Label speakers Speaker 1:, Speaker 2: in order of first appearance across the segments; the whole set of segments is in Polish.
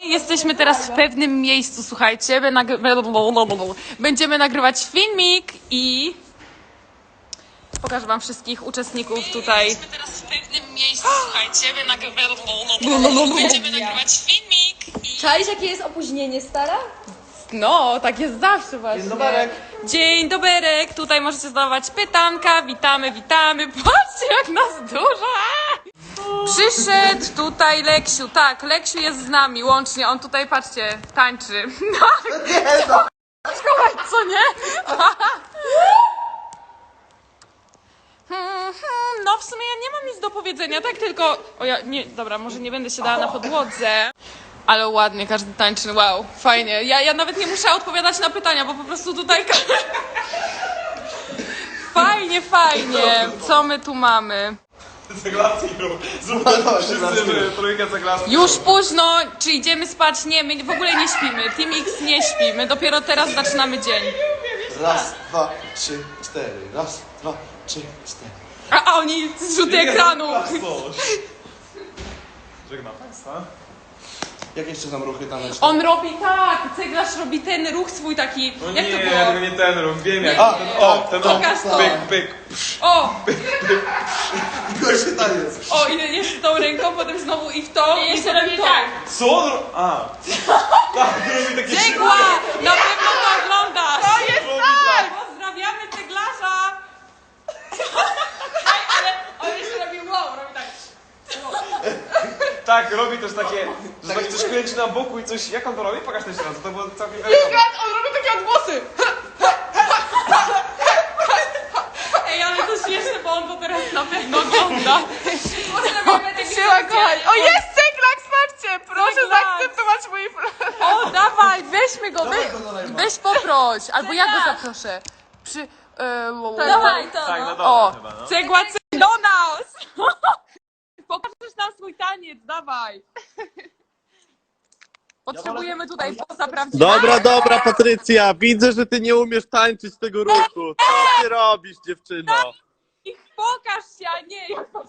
Speaker 1: Jesteśmy teraz w pewnym miejscu, słuchajcie. Będziemy nagrywać filmik i pokażę wam wszystkich uczestników tutaj. Jesteśmy teraz w pewnym miejscu, słuchajcie. Będziemy nagrywać filmik i...
Speaker 2: Czaisz, jakie jest opóźnienie, stara?
Speaker 1: No, tak jest zawsze właśnie.
Speaker 3: Dzień doberek.
Speaker 1: Dzień doberek. Tutaj możecie zadawać pytanka. Witamy, witamy. Patrzcie, jak nas dużo. Przyszedł tutaj Leksiu. Tak, Leksiu jest z nami łącznie. On tutaj, patrzcie, tańczy. Co nie? No w sumie ja nie mam nic do powiedzenia, tak tylko... O ja, nie, dobra, może nie będę się dała na podłodze. Ale ładnie, każdy tańczy, wow, fajnie. Ja nawet nie muszę odpowiadać na pytania, bo po prostu tutaj... Fajnie, fajnie. Co my tu mamy?
Speaker 3: Ceglaski rób. Zobacz, wszyscy trójkę ceglaski.
Speaker 1: Już późno, czy idziemy spać? Nie, my w ogóle nie śpimy. Team X nie śpi, my dopiero teraz zaczynamy dzień.
Speaker 3: Raz, dwa, trzy, cztery. Raz, dwa, trzy, cztery.
Speaker 1: A oni zrzuty ekranu.
Speaker 3: Żegnam Państwa. Jak jeszcze nam ruchy taneczne?
Speaker 1: On robi tak, ceglarz robi ten ruch swój taki,
Speaker 3: No
Speaker 1: jak
Speaker 3: nie,
Speaker 1: to było?
Speaker 3: tylko nie ten ruch, wiem jak.
Speaker 1: Nie,
Speaker 3: Ten
Speaker 1: pokaż to.
Speaker 3: pyk, pyk.
Speaker 1: O,
Speaker 3: Gorszy taniec.
Speaker 1: o, i jeszcze tą ręką, potem znowu i w to. I jeszcze robi tak.
Speaker 3: Co? A. Tak, robi takie
Speaker 1: Cegła! Na pewno to oglądasz! To jest
Speaker 3: tak!
Speaker 1: Pozdrawiamy ceglarza! Ale on jeszcze robi wow, robi tak.
Speaker 3: Tak, robi też takie, że tak coś kręci na boku i coś... Jak on to robi? Pokaż to jeszcze raz, to było całkiem wiadomo.
Speaker 1: On robi takie odgłosy! Ej, ale to śmieszne, bo on to teraz na pewno ogląda. Siema, kochani. O, jest ceglak, zobaczcie! Proszę zaakceptować mój... O, dawaj, weźmy go, weź poproś. Albo ja go zaproszę.
Speaker 2: Dawaj to,
Speaker 3: Tak, no
Speaker 2: no.
Speaker 3: dobra
Speaker 1: O,
Speaker 3: chyba, no.
Speaker 1: cegła do nas! Pokażesz nam swój taniec, dawaj! Potrzebujemy tutaj poza prawdziwego.
Speaker 4: Dobra, Patrycja, widzę, że ty nie umiesz tańczyć tego ruchu. Co ty robisz, dziewczyno?
Speaker 1: Pokaż się, a nie!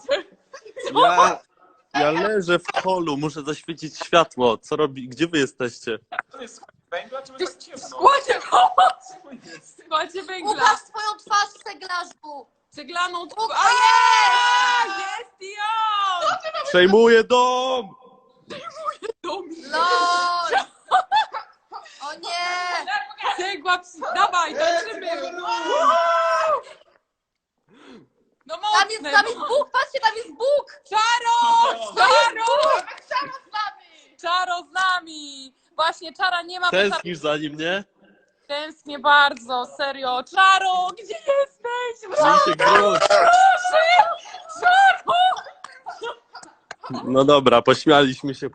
Speaker 4: Ja leżę w holu, muszę zaświecić światło. Co robi? Gdzie wy jesteście?
Speaker 3: To jest węgla, czy my tak ciemno?
Speaker 1: Składzie Składzie węgla!
Speaker 2: Ukaż swoją twarz w ceglarzu!
Speaker 1: Ceglaną
Speaker 2: Jest!
Speaker 1: Jest i on!
Speaker 4: Przejmuję dom!
Speaker 2: LOL! O nie!
Speaker 1: Cegła, dawaj, tańczymy! No mocne!
Speaker 2: Tam jest Bóg! Patrzcie, tam jest Bóg!
Speaker 1: Czaro! Czaro!
Speaker 2: Czaro z nami!
Speaker 1: Czaro z nami! Właśnie, Czara nie ma... bo
Speaker 4: Tęsknisz za nim, nie?
Speaker 1: Tęsknię bardzo, serio. Czaro, gdzie jesteś?
Speaker 4: Dzisiaj wróć.
Speaker 1: Czaro!
Speaker 4: No dobra, pośmialiśmy się.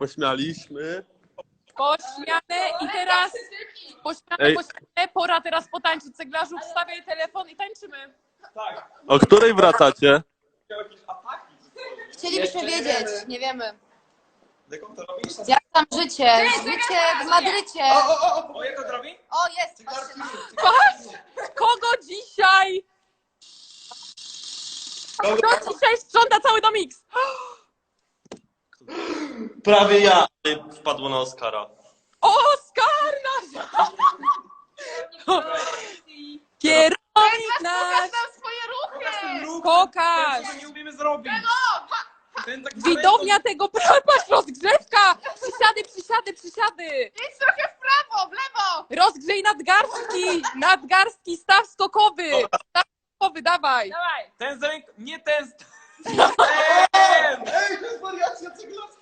Speaker 1: Pośmiane i teraz...
Speaker 4: Ej.
Speaker 1: Pośmiane, pora teraz potańczyć. Ceglarzu, wstawiaj telefon i tańczymy.
Speaker 3: Tak.
Speaker 4: O której wracacie?
Speaker 3: Miał jakieś ataki.
Speaker 2: Chcielibyśmy wiedzieć, nie wiemy.
Speaker 3: Jak on to robi?
Speaker 2: Jak tam życie? Życie w Madrycie!
Speaker 3: O, jak on to robi?
Speaker 2: O, jest! Patrzcie na
Speaker 1: Patrz! Kogo dzisiaj? Kto dzisiaj sprząta cały dom X?
Speaker 4: Prawie ja. Wpadło na Oskara.
Speaker 1: Oskar nasz! Kierownik nasz!
Speaker 2: swoje ruchy!
Speaker 1: Pokaż!
Speaker 3: Tego nie umiemy zrobić. Ten taki
Speaker 1: Widownia tego... Patrz, rozgrzewka! Przysiady!
Speaker 2: Idź trochę w prawo, w lewo!
Speaker 1: Rozgrzej nadgarstki, staw skokowy! Staw skokowy, dawaj!
Speaker 3: Ten z ręką, nie ten. Ten!
Speaker 5: Ej, to jest wariacja ceglarska!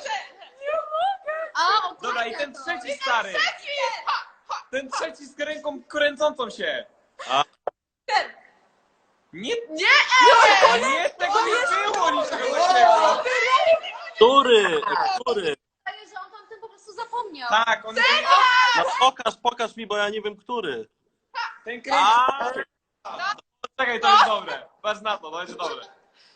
Speaker 2: A, o,
Speaker 3: Dobra, i ten trzeci stary. Ten trzeci z ręką kręcącą się. Nie, nie, tego nie było niczego takiego.
Speaker 4: Który?
Speaker 2: Wydaje, że on tam ten po prostu zapomniał.
Speaker 3: Tak, on
Speaker 4: No pokaż mi, bo ja nie wiem, który.
Speaker 3: ten kręci. Czekaj, to jest dobre. Patrz na to jest dobre.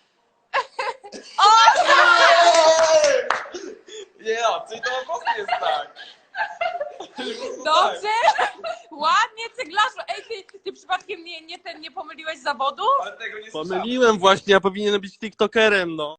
Speaker 3: Nie, czyli to po prostu jest tak.
Speaker 1: Dobrze! Ładnie, ceglarzu! Ej, ty przypadkiem nie pomyliłeś zawodu?
Speaker 3: Ale tego nie słyszałem.
Speaker 4: Pomyliłem właśnie, ja powinienem być tiktokerem, no.